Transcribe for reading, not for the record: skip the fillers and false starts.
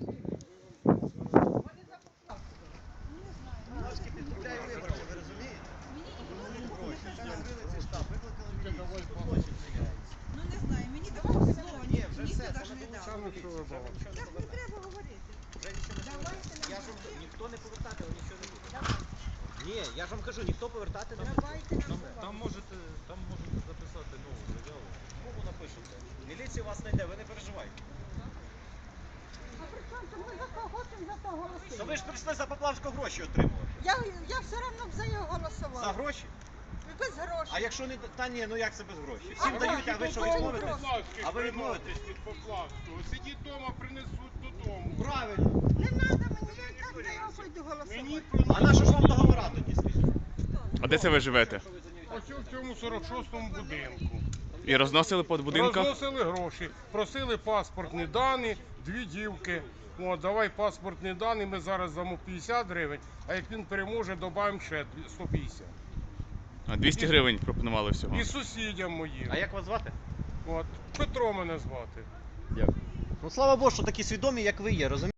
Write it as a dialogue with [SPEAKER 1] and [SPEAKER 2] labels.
[SPEAKER 1] Трошки підкупляє виборців, ви розумієте? Розбили цей штаб, викликали міліцію, тут злочин вчиняється.
[SPEAKER 2] Ну не знаю, мені давали слово,
[SPEAKER 1] Ні, вже
[SPEAKER 2] ніхто
[SPEAKER 1] все,
[SPEAKER 2] навіть
[SPEAKER 1] це
[SPEAKER 2] не
[SPEAKER 1] не
[SPEAKER 2] дав.
[SPEAKER 1] долучали міліцію, вже нічого не
[SPEAKER 2] Так не
[SPEAKER 1] повернете.
[SPEAKER 2] треба говорити.
[SPEAKER 1] Вже нічого не
[SPEAKER 2] Давайте
[SPEAKER 1] повернете. Я ж вам,
[SPEAKER 2] нам
[SPEAKER 1] ніхто не повертати, але нічого не буде. Ні, я ж вам кажу, ніхто повертати не буде.
[SPEAKER 2] Давайте нам
[SPEAKER 3] Там можете записати нову заяву.
[SPEAKER 1] Кому напишете? Міліція вас знайде, ви не переживайте.
[SPEAKER 2] А при чому це ми за кого за того
[SPEAKER 1] То
[SPEAKER 2] голосуємо?
[SPEAKER 1] ви ж прийшли за Поплавського гроші отримувати.
[SPEAKER 2] Я все одно б за його голосувала.
[SPEAKER 1] За гроші?
[SPEAKER 2] Без грошей.
[SPEAKER 1] А якщо не... Та ні, ну як це без грошей? Всім
[SPEAKER 2] А
[SPEAKER 1] дають, а ви що
[SPEAKER 2] гроші
[SPEAKER 1] відмовитесь?
[SPEAKER 2] гроші.
[SPEAKER 1] А ви відмовитесь?
[SPEAKER 4] від Поплавського. Сидіть вдома, принесуть додому.
[SPEAKER 1] Правильно.
[SPEAKER 2] Не треба мені, я так за його пойду
[SPEAKER 4] Мені
[SPEAKER 2] голосувати.
[SPEAKER 1] А на що ж вам договора тоді, скажіть?
[SPEAKER 5] А де це ви живете?
[SPEAKER 4] ось в цьому 46-му будинку.
[SPEAKER 5] І розносили по будинках?
[SPEAKER 4] Розносили гроші, просили паспортні дані, дві дівки. О, давай паспортні дані, ми зараз дамо 50 гривень, а як він переможе, додаємо ще 150.
[SPEAKER 5] А 200 гривень пропонували всього.
[SPEAKER 4] І сусідям моїм.
[SPEAKER 1] А як вас звати?
[SPEAKER 4] От, Петро мене звати.
[SPEAKER 1] Дякую. Ну слава Богу, що такі свідомі, як ви є, розумієте?